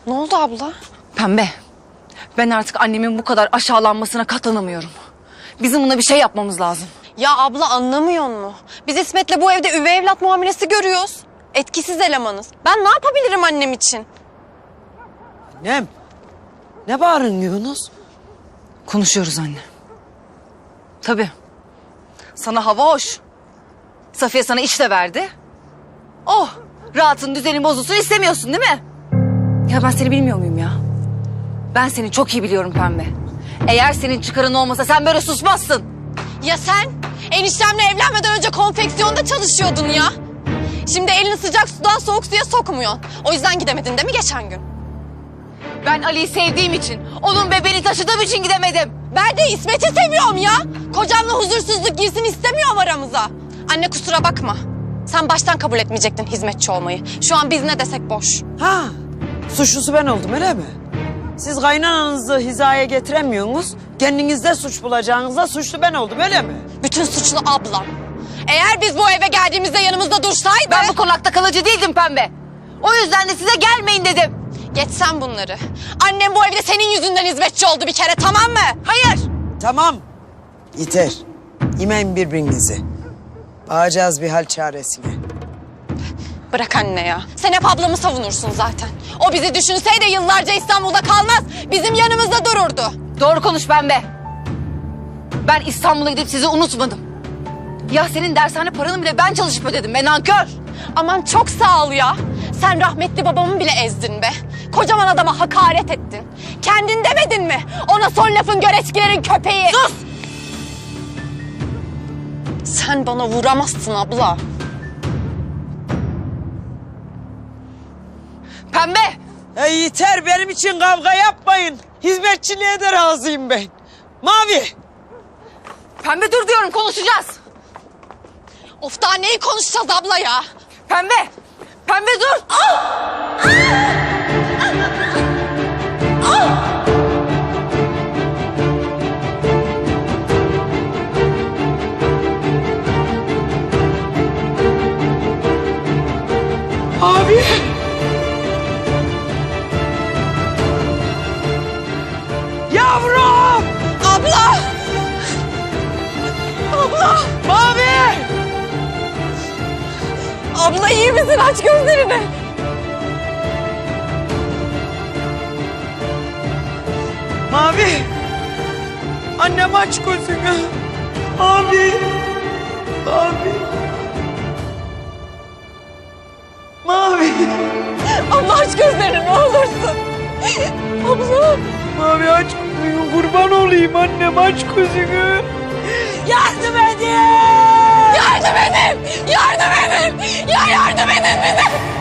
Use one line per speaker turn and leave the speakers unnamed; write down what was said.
Ne oldu abla?
Pembe, ben artık annemin bu kadar aşağılanmasına katlanamıyorum. Bizim buna bir şey yapmamız lazım.
Ya abla anlamıyor musun? Biz İsmet'le bu evde üvey evlat muamelesi görüyoruz. Etkisiz elemanız. Ben ne yapabilirim annem için?
Annem, ne bağırıyorsunuz?
Konuşuyoruz anne. Tabii. Sana hava hoş. Safiye sana iş de verdi. Oh, rahatın düzenin bozulsun istemiyorsun değil mi? Ya ben seni bilmiyor muyum ya? Ben seni çok iyi biliyorum Pembe. Eğer senin çıkarın olmasa sen böyle susmazsın.
Ya sen? Eniştemle evlenmeden önce konfeksiyonda çalışıyordun ya. Şimdi elini sıcak sudan soğuk suya sokmuyorsun. O yüzden gidemedin değil mi geçen gün?
Ben Ali'yi sevdiğim için, onun bebeğini taşıdığım için gidemedim.
Ben de İsmet'i seviyorum ya. Kocamla huzursuzluk girsin istemiyorum aramıza. Anne kusura bakma. Sen baştan kabul etmeyecektin hizmetçi olmayı. Şu an biz ne desek boş.
Ha, suçlusu ben oldum öyle mi? Siz kaynananızı hizaya getiremiyorsunuz. Kendinizde suç bulacağınızda suçlu ben oldum öyle mi?
Bütün suçlu ablam. Eğer biz bu eve geldiğimizde yanımızda dursaydı...
Ben bu konakta kalıcı değildim Pembe. O yüzden de size gelmeyin dedim.
Geç sen bunları. Annem bu evde senin yüzünden hizmetçi oldu bir kere, tamam mı?
Hayır.
Tamam, yeter. Yemeyin birbirinizi. Bağacağız bir hal çaresine.
Bırak anne ya. Sen hep ablamı savunursun zaten. O bizi düşünseydi yıllarca İstanbul'da kalmaz. Bizim yanımızda dururdu.
Doğru konuş Pembe. Ben İstanbul'a gidip sizi unutmadım. Ya senin dershane paranı bile ben çalışıp ödedim be nankör.
Aman çok sağ ol ya. Sen rahmetli babamı bile ezdin be. Kocaman adama hakaret ettin. Kendin demedin mi? Ona son lafın göreçkilerin köpeği.
Sus!
Sen bana vuramazsın abla.
Pembe!
Yeter benim için kavga yapmayın. Hizmetçiliğe de razıyım ben. Mavi!
Pembe dur diyorum konuşacağız.
Of daha neyi konuşacağız abla ya?
Pembe! Pembe dur!
Abi! Yavrum!
Abla! Abla!
Mavi!
Abla iyi misin? Aç gözlerini.
Mavi! Annem aç gözünü. Abi! Abi! Mavi!
Abla aç gözlerini ne olursun. Abla!
Mavi aç gözünü. Kurban olayım annem aç gözünü. Yardım edin!
Yardım edin! Yardım edin! Ya yardım edin bize!